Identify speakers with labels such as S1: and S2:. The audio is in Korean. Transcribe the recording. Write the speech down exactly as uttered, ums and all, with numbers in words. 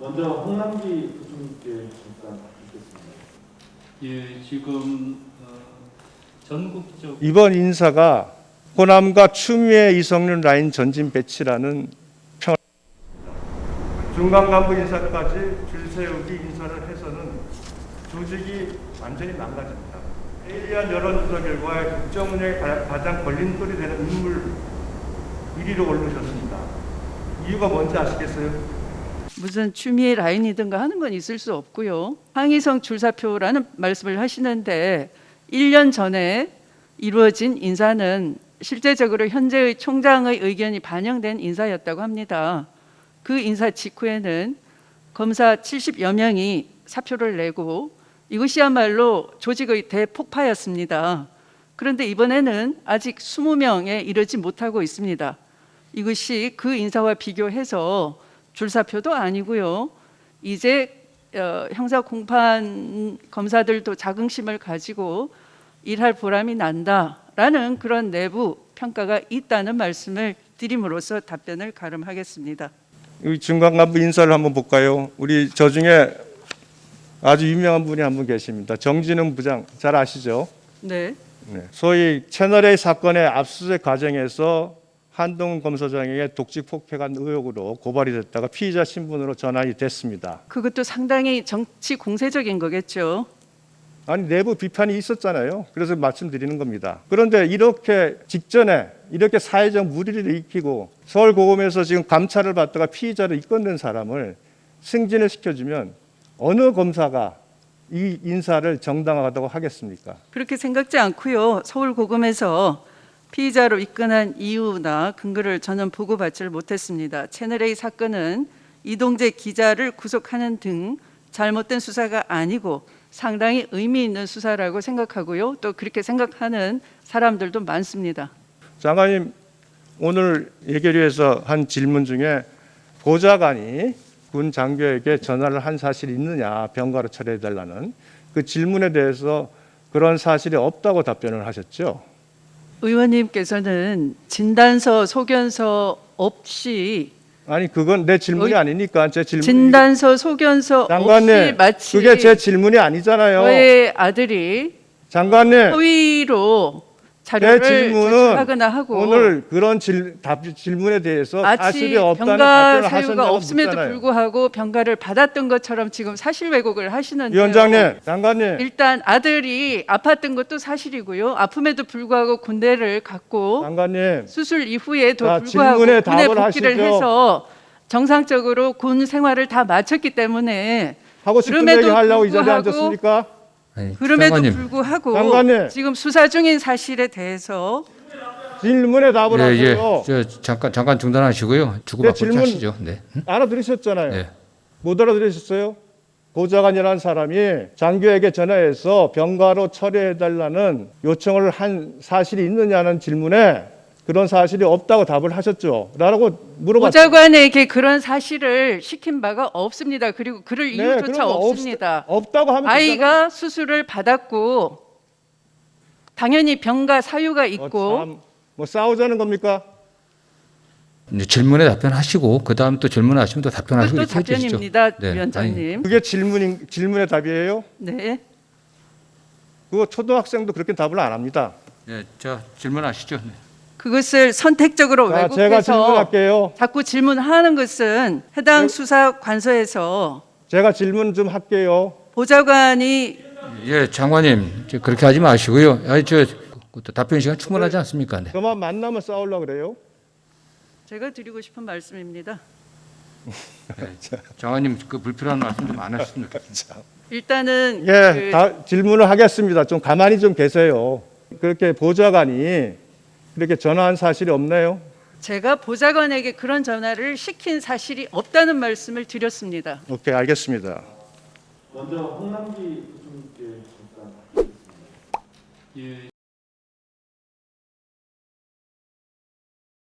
S1: 먼저 홍남기 부총리께 잠깐 듣겠습니다.
S2: 예, 지금 어, 전국적
S3: 이번 인사가 호남과 추미애 이성윤 라인 전진 배치라는 평 중간 간부 인사까지 줄 세우기 인사를 해서는 조직이 완전히 망가집니다. 에일리한 여론조사 결과에 국정 운영에 가장 걸림돌이 되는 인물 일 위로 오르셨습니다. 이유가 뭔지 아시겠어요?
S4: 무슨 추미애 라인이든가 하는 건 있을 수 없고요. 항의성 줄사표라는 말씀을 하시는데 일 년 전에 이루어진 인사는 실제적으로 현재의 총장의 의견이 반영된 인사였다고 합니다. 그 인사 직후에는 검사 칠십여 명이 사표를 내고 이것이야말로 조직의 대폭파였습니다. 그런데 이번에는 아직 이십 명에 이르지 못하고 있습니다. 이것이 그 인사와 비교해서 줄사표도 아니고요. 이제 어, 형사 공판 검사들도 자긍심을 가지고 일할 보람이 난다라는 그런 내부 평가가 있다는 말씀을 드림으로써 답변을 가름하겠습니다.
S3: 이 중간 간부 인사를 한번 볼까요? 우리 저 중에 아주 유명한 분이 한 분 계십니다. 정진웅 부장 잘 아시죠?
S4: 네.
S3: 네. 소위 채널A 사건의 압수수색 과정에서 한동훈 검사장에게 독직 폭행한 의혹으로 고발이 됐다가 피의자 신분으로 전환이 됐습니다.
S4: 그것도 상당히 정치 공세적인 거겠죠.
S3: 아니 내부 비판이 있었잖아요. 그래서 말씀드리는 겁니다. 그런데 이렇게 직전에 이렇게 사회적 물의를 일으키고 서울고검에서 지금 감찰을 받다가 피의자로 입건된 사람을 승진을 시켜주면 어느 검사가 이 인사를 정당하다고 하겠습니까?
S4: 그렇게 생각지 않고요. 서울고검에서 피의자로 입건한 이유나 근거를 저는 보고받지를 못했습니다. 채널A 사건은 이동재 기자를 구속하는 등 잘못된 수사가 아니고 상당히 의미 있는 수사라고 생각하고요. 또 그렇게 생각하는 사람들도 많습니다.
S3: 장관님 오늘 예결위에서 한 질문 중에 보좌관이 군 장교에게 전화를 한 사실이 있느냐 병가로 처리해달라는 그 질문에 대해서 그런 사실이 없다고 답변을 하셨죠.
S4: 의원님께서는 진단서, 소견서 없이
S3: 아니 그건 내 질문이
S4: 의-
S3: 아니니까 제 질문.
S4: 진단서, 소견서 없이
S3: 장관님
S4: 마치
S3: 그게 제 질문이 아니잖아요.
S4: 저의 아들이
S3: 장관님
S4: 허위로
S3: 제
S4: 자료를
S3: 질문은
S4: 제출하거나 하고
S3: 오늘 그런 질, 답, 질문에 대해서
S4: 마치
S3: 사실이 없다는
S4: 병가
S3: 답변을
S4: 사유가
S3: 하셨냐고
S4: 없음에도
S3: 묻잖아요.
S4: 불구하고 병가를 받았던 것처럼 지금 사실 왜곡을 하시는데요.
S3: 위원장님, 장관님
S4: 일단 아들이 아팠던 것도 사실이고요. 아픔에도 불구하고 군대를 갔고
S3: 장관님
S4: 수술 이후에도
S3: 자,
S4: 불구하고
S3: 질문에
S4: 군에
S3: 답을
S4: 복귀를
S3: 하시죠.
S4: 해서 정상적으로 군 생활을 다 마쳤기 때문에
S3: 하고 싶은
S4: 그럼에도
S3: 얘기 하려고 이 자리에
S4: 불구하고
S3: 앉았습니까?
S5: 아니,
S4: 그럼에도
S5: 장관님.
S4: 불구하고
S3: 장관님.
S4: 지금 수사 중인 사실에 대해서
S3: 질문에 답을
S5: 예, 예.
S3: 하세요.
S5: 저 잠깐 잠깐 중단하시고요. 주고받고
S3: 질문-
S5: 하시죠. 네. 응?
S3: 알아들으셨잖아요.
S5: 네.
S3: 못 알아들으셨어요? 보좌관이라는 사람이 장교에게 전화해서 병가로 처리해달라는 요청을 한 사실이 있느냐는 질문에 그런 사실이 없다고 답을 하셨죠. 라고 물어봤죠.
S4: 보좌관에게 그런 사실을 시킨 바가 없습니다. 그리고 그럴
S3: 네,
S4: 이유조차
S3: 그런 거 없-
S4: 없습니다.
S3: 없다고 하면 되잖아요.
S4: 아이가 수술을 받았고 당연히 병가 사유가
S3: 어,
S4: 있고
S3: 참, 뭐 싸우자는 겁니까?
S5: 이제 질문에 답변하시고 그 다음 또 질문하시면 또 답변하시고
S4: 그것도
S5: 이렇게 해주시죠.
S4: 답변입니다,
S5: 네, 아니,
S4: 위원장님.
S3: 그게 질문인, 질문의 답이에요?
S4: 네.
S3: 그거 초등학생도 그렇게 답을 안 합니다.
S5: 네, 자 질문하시죠. 네.
S4: 그것을 선택적으로
S3: 자, 제가
S4: 왜곡해서
S3: 질문할게요.
S4: 자꾸 질문하는 것은 해당
S3: 네.
S4: 수사 관서에서
S3: 제가 질문 좀 할게요.
S4: 보좌관이
S5: 예, 장관님 저 그렇게 하지 마시고요. 아니 저 그것도 답변 시간 충분하지 않습니까? 네.
S3: 저만 만나면 싸우려고 그래요?
S4: 제가 드리고 싶은 말씀입니다.
S5: 장관님 그 불필요한 말씀 좀 안 하셨으면 좋겠습니다.
S4: 일단은
S3: 예,
S4: 그
S3: 다 질문을 하겠습니다. 좀 가만히 좀 계세요. 그렇게 보좌관이 그렇게 전화한 사실이 없나요?
S4: 제가 보좌관에게 그런 전화를 시킨 사실이 없다는 말씀을 드렸습니다.
S3: 오케이, 알겠습니다.
S1: 먼저 홍남기 부총리께 잠깐 듣겠습니다.
S2: 예,